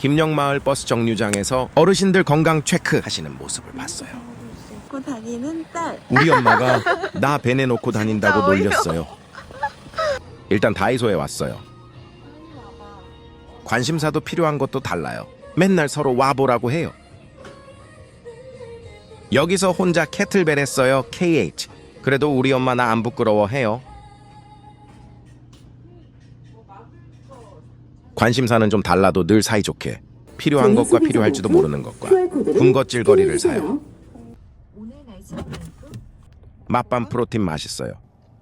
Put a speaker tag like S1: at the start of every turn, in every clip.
S1: 김영마을 버스 정류장에서 어르신들 건강 체크하시는 모습을 봤어요.
S2: 고 다니는 딸.
S1: 우리 엄마가 나 배내 놓고 다닌다고 놀렸어요. 일단 다이소에 왔어요. 관심사도 필요한 것도 달라요. 맨날 서로 와보라고 해요. 여기서 혼자 캐틀벨 했어요. KH. 그래도 우리 엄마 나 안 부끄러워해요. 관심사는 좀 달라도 늘 사이좋게 필요한 것과 필요할지도 모르는 것과 군것질거리를 사요. 맛밤 프로틴 맛있어요.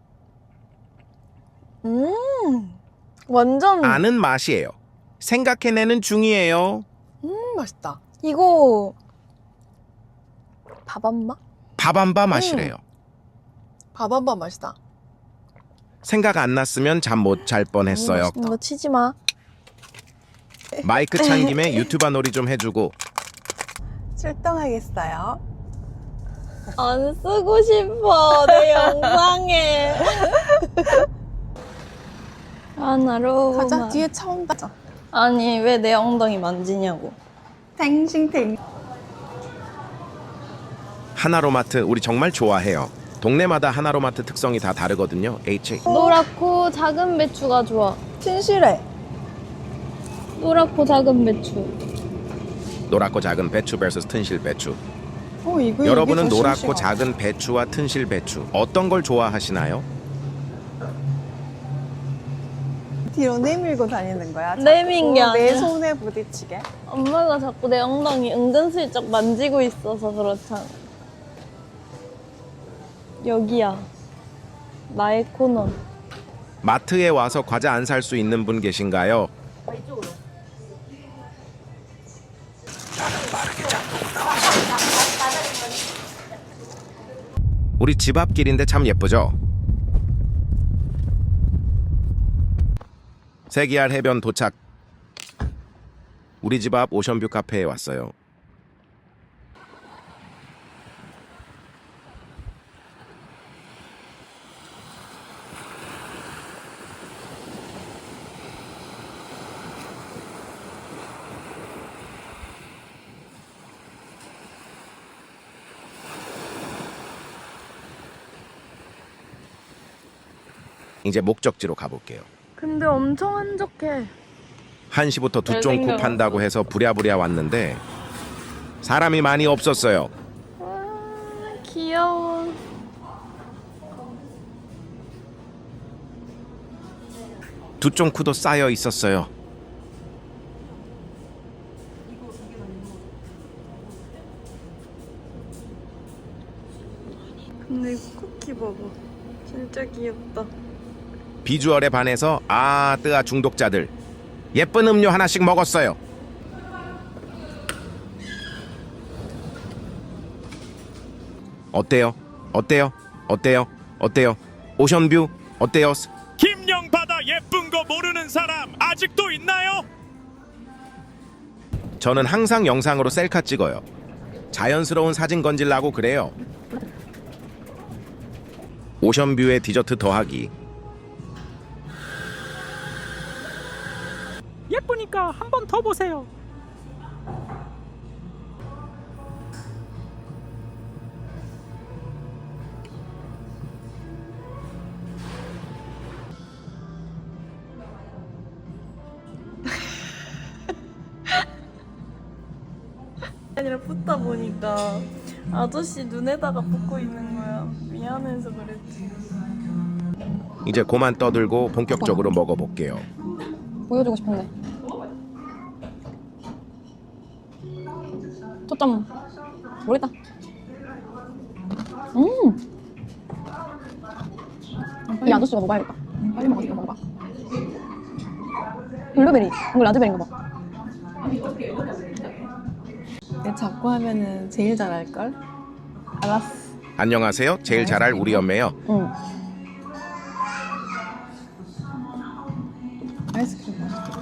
S2: 완전
S1: 아는 맛이에요. 생각해내는 중이에요.
S2: 맛있다. 이거 밥안마?
S1: 밥안바 맛이래요.
S2: 밥안마 맛있다.
S1: 생각 안 났으면 잠 못 잘 뻔했어요.
S2: 이거 치지 마.
S1: 마이크 찬 김에 유튜버 놀이 좀 해주고
S2: 출동하겠어요. 안 쓰고 싶어 내 영상에. 하나로
S3: 가자. 뒤에 차 온다.
S2: 아니 왜 내 엉덩이 만지냐고.
S3: 탱싱탱.
S1: 하나로마트 우리 정말 좋아해요. 동네마다 하나로마트 특성이 다 다르거든요.
S2: 노랗고 작은 배추가 좋아.
S3: 튼실해.
S2: 노랗고 작은 배추.
S1: 노랗고 작은 배추 vs 튼실 배추.
S3: 이거
S1: 여러분은
S3: 이게 더
S1: 노랗고
S3: 싱싱하다.
S1: 작은 배추와 튼실 배추 어떤 걸 좋아하시나요?
S3: 뒤로 내밀고 다니는 거야?
S2: 내민 게
S3: 자꾸 내
S2: 아니라.
S3: 손에 부딪히게?
S2: 엄마가 자꾸 내 엉덩이 은근슬쩍 만지고 있어서 그렇잖아. 여기야. 나의 코너.
S1: 마트에 와서 과자 안 살 수 있는 분 계신가요? 나는 빠르게 장보고 나왔어. 우리 집 앞길인데 참 예쁘죠? 세기알 해변 도착. 우리 집 앞 오션뷰 카페에 왔어요. 이제 목적지로 가볼게요.
S2: 근데 엄청 한적해.
S1: 1시부터 두쫑쿠
S2: 잘생겨서.
S1: 판다고 해서 부랴부랴 왔는데 사람이 많이 없었어요.
S2: 귀여워.
S1: 두쫑쿠도 쌓여 있었어요.
S2: 근데 쿠키 봐봐. 진짜 귀엽다.
S1: 비주얼에 반해서 뜨아 중독자들 예쁜 음료 하나씩 먹었어요. 어때요? 어때요? 어때요? 어때요? 오션뷰 어때요?
S4: 김영바다 예쁜 거 모르는 사람 아직도 있나요?
S1: 저는 항상 영상으로 셀카 찍어요. 자연스러운 사진 건질라고 그래요. 오션뷰에 디저트 더하기.
S4: 예쁘니까 한 번 더 보세요.
S2: 아니라 붓다 보니까 아저씨 눈에다가 붓고 있는 거야. 미안해서 그랬지.
S1: 이제 그만 떠들고 본격적으로 먹어볼게요.
S5: 보여주고 싶은데. 초점 모르겠다. 이 아저씨가 먹어야겠다. 빨리 먹어서 이거 먹어봐. 블루베리, 이거 라즈베리인가 봐.
S3: 내 자꾸 하면은 제일 잘할걸? 알았어.
S1: 안녕하세요. 제일 잘할 우리 엄매요.
S5: 응.
S3: 아이스크림 맛있다.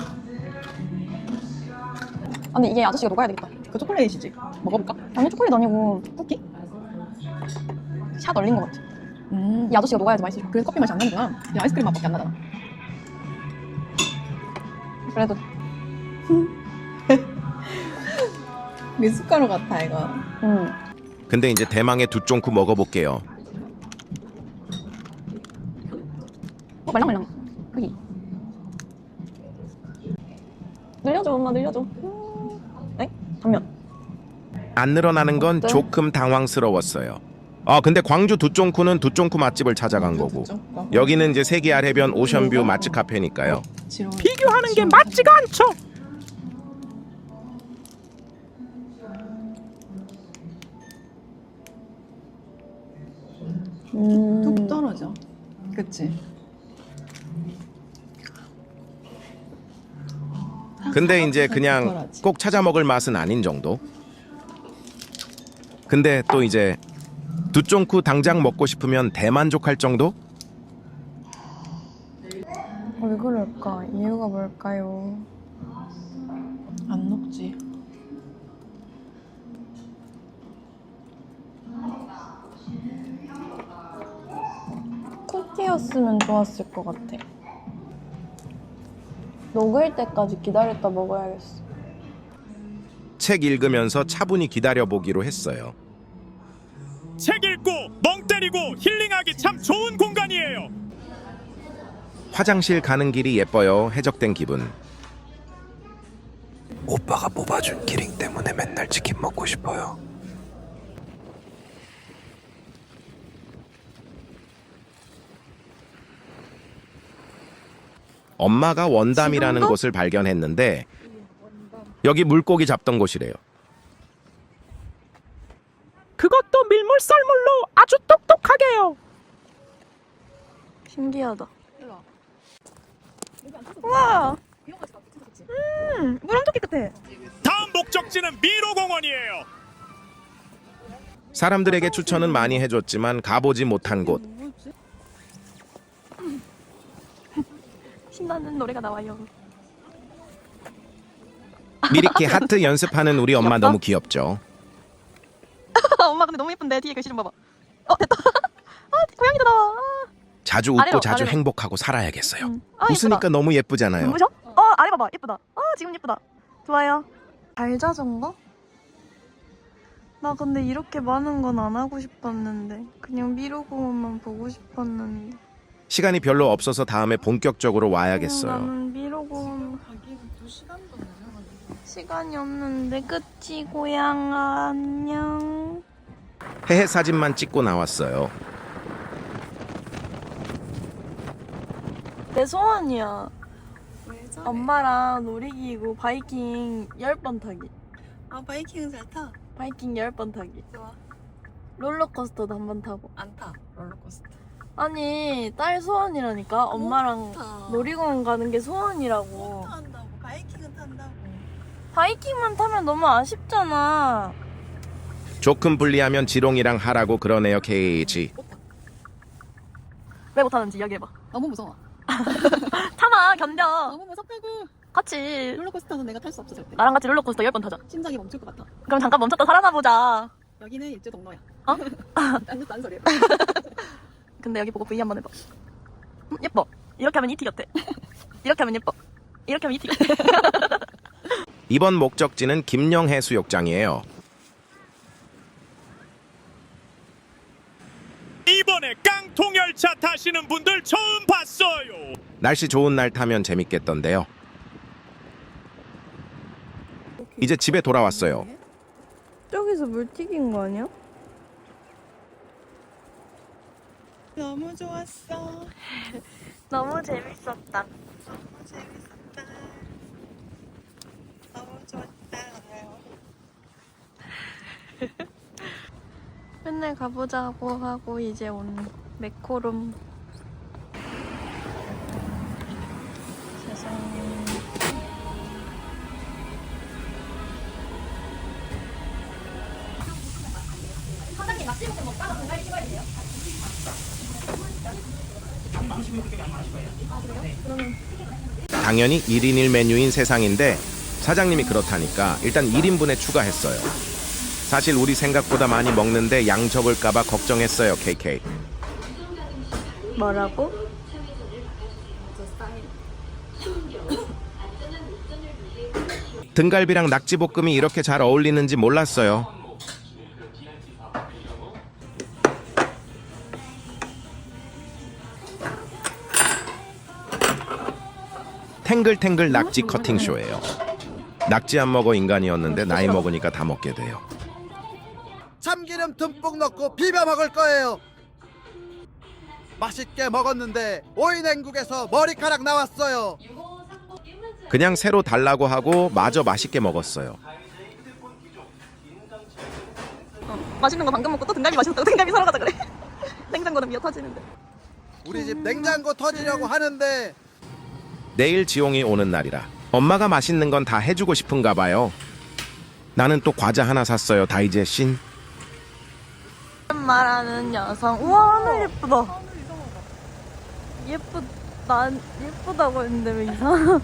S5: 아, 근데 이게 아저씨가 녹아야 되겠다.
S3: 그 초콜릿이지? 먹어볼까?
S5: 아니 초콜릿 아니고 쿠키? 샷 얼린 것 같아. 이 아저씨가 녹아야지 맛있어.
S3: 그래서 커피 맛이 안 나는구나. 야, 아이스크림 맛밖에 안 나잖아.
S5: 그래도
S3: 미숫가루 같아 이거.
S2: 응.
S1: 근데 이제 대망의 두쫑쿠 먹어볼게요.
S5: 말랑말랑. 여기.
S2: 늘려줘 엄마 늘려줘. 에? 단면.
S1: 안 늘어나는 건
S2: 어때?
S1: 조금 당황스러웠어요. 근데 광주 두쫑쿠는 두쫑쿠 맛집을 찾아간 거고 여기는 이제 세계알 해변 오션뷰 맛집 카페니까요.
S3: 비교하는 게 맞지가 않죠. 뚝 떨어져. 그치?
S1: 근데 이제 그냥
S3: 덜하지.
S1: 꼭 찾아 먹을 맛은 아닌 정도. 근데 또 이제 두쫑쿠 당장 먹고 싶으면 대만족할 정도?
S2: 왜 그럴까? 이유가 뭘까요?
S3: 안 녹지.
S2: 쿠키였으면 좋았을 것 같아. 녹을 때까지 기다렸다 먹어야겠어.
S1: 책 읽으면서 차분히 기다려보기로 했어요.
S4: 책 읽고 멍 때리고 힐링하기 참 좋은 공간이에요.
S1: 화장실 가는 길이 예뻐요. 해적된 기분.
S6: 오빠가 뽑아준 기링 때문에 맨날 치킨 먹고 싶어요.
S1: 엄마가 원담이라는
S2: 지금도?
S1: 곳을 발견했는데 여기 물고기 잡던 곳이래요.
S7: 그것도 밀물썰물로 아주 똑똑하게요.
S2: 신기하다. 우와! 물 엄청 깨끗해.
S4: 다음 목적지는 미로공원이에요.
S1: 사람들에게 추천은 많이 해줬지만 가보지 못한 곳.
S2: 신나는 노래가 나와요.
S1: 미리키 하트 연습하는 우리 엄마 너무 귀엽죠.
S5: 엄마 근데 너무 예쁜데 뒤에 글씨 좀 봐봐. 됐다. 고양이도 나와.
S1: 자주 웃고
S5: 아래로,
S1: 자주
S5: 아래로.
S1: 행복하고 살아야겠어요.
S5: 예쁘다.
S1: 웃으니까 너무 예쁘잖아요.
S5: 눈부셔? 아래 봐봐. 예쁘다. 지금 예쁘다. 좋아요.
S2: 발자전거? 나 근데 이렇게 많은 건 안 하고 싶었는데 그냥 미로공원만 보고 싶었는데
S1: 시간이 별로 없어서 다음에 본격적으로 와야겠어요.
S2: 나는 미로공원 시간이 없는데 그치 고양아 안녕.
S1: 해해 사진만 찍고 나왔어요.
S2: 내 소원이야. 엄마랑 놀이기구 바이킹 10번 타기.
S3: 바이킹은 잘 타.
S2: 바이킹 10번 타기.
S3: 좋아.
S2: 롤러코스터도 한 번 타고.
S3: 안 타. 롤러코스터.
S2: 아니 딸 소원이라니까. 엄마랑
S3: 타.
S2: 놀이공원 가는 게 소원이라고.
S3: 탄다고. 바이킹은 탄다고.
S2: 바이킹만 타면 너무 아쉽잖아.
S1: 조금 분리하면 지롱이랑 하라고 그러네요. KH.
S5: 왜 못하는지 이야기해봐.
S3: 너무 무서워.
S5: 참아 견뎌.
S3: 너무 무섭다고.
S5: 같이
S3: 롤러코스터는 내가 탈 수 없어 절대.
S5: 나랑 같이 롤러코스터 10번 타자.
S3: 심장이 멈출 것 같아.
S5: 그럼 잠깐 멈췄다 살아나 보자.
S3: 여기는 일주 동로야.
S5: 어?
S3: 딴 소리야.
S5: 근데 여기 보고 V 한번 해봐. 예뻐. 이렇게 하면 이티 같아. 이렇게 하면 예뻐. 이렇게 하면 이티 같아.
S1: 이번 목적지는 김영해수욕장이에요.
S4: 이번에 깡통열차 타시는 분들 처음 봤어요.
S1: 날씨 좋은 날 타면 재밌겠던데요. 이제 집에 돌아왔어요.
S2: 저기서 물 튀긴 거 아니야?
S3: 너무 좋았어.
S2: 너무 재밌었다.
S3: 너무 재밌었다. 너무 좋았다.
S2: 맨날 가보자고 하고 이제 온 메코롬. 세상에.
S1: 당연히 1인 1메뉴인 세상인데 사장님이 그렇다니까 일단 1인분에 추가했어요. 사실 우리 생각보다 많이 먹는데 양 적을까봐 걱정했어요. KK.
S2: 뭐라고?
S1: 등갈비랑 낙지볶음이 이렇게 잘 어울리는지 몰랐어요. 탱글탱글 낙지 커팅쇼예요. 낙지 안 먹어 인간이었는데 나이 먹으니까 다 먹게 돼요.
S8: 참기름 듬뿍 넣고 비벼 먹을 거예요. 맛있게 먹었는데 오이냉국에서 머리카락 나왔어요.
S1: 그냥 새로 달라고 하고 마저 맛있게 먹었어요.
S5: 맛있는 거 방금 먹고 또 등갈비 맛있었다고 등갈비 사러 가자 그래. 냉장고는 미어 터지는데.
S8: 우리 집 냉장고 터지려고 하는데
S1: 내일 지용이 오는 날이라 엄마가 맛있는 건 다 해주고 싶은가 봐요. 나는 또 과자 하나 샀어요. 다이제신.
S2: 말하는 여성. 우와, 하늘 예쁘다. 난 예쁘다고 했는데 왜 이상하?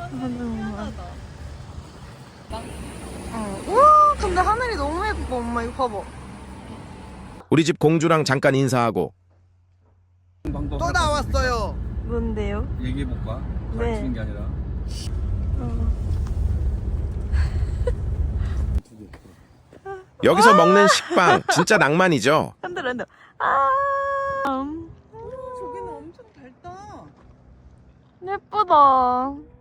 S2: 우와, 근데 하늘이 너무 예뻐. 엄마 이거 봐봐.
S1: 우리 집 공주랑 잠깐 인사하고
S8: 또 나왔어요.
S2: 뭔데요?
S9: 얘기해볼까?
S2: 네.
S9: 가르치는 게 아니라
S1: 여기서 먹는 식빵 진짜 낭만이죠.
S5: 흔들어 흔들어.
S3: 저기는 엄청 밝다.
S2: 예쁘다.